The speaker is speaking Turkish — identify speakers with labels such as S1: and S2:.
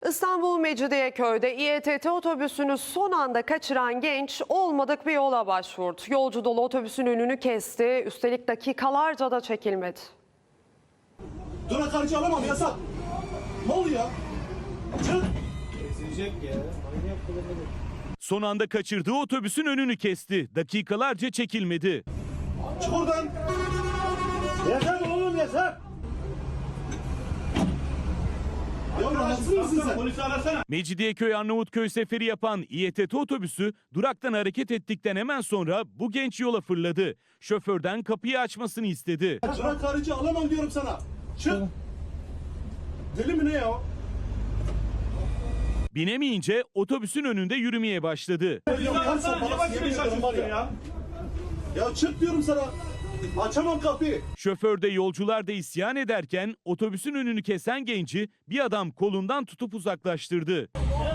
S1: İstanbul Mecidiyeköy'de İETT otobüsünü son anda kaçıran genç olmadık bir yola başvurdu. Yolcu dolu otobüsün önünü kesti, üstelik dakikalarca da çekilmedi.
S2: Durak harcı alamam, yasak. Ne oluyor ya? Çık.
S3: Son anda kaçırdığı otobüsün önünü kesti. Dakikalarca çekilmedi.
S2: Çık oradan. Yasak oğlum, yasak. Ya rahatsız mısın sen? Polisi arasana.
S3: Mecidiyeköy Arnavutköy seferi yapan İETT otobüsü duraktan hareket ettikten hemen sonra bu genç yola fırladı. Şoförden kapıyı açmasını istedi.
S2: Durak harcı alamam diyorum sana. Çık. Deli mi ne ya?
S3: Binemeyince otobüsün önünde yürümeye başladı.
S2: Ya çık diyorum sana. Açamam kapıyı.
S3: Şoför de yolcular da isyan ederken otobüsün önünü kesen genci bir adam kolundan tutup uzaklaştırdı.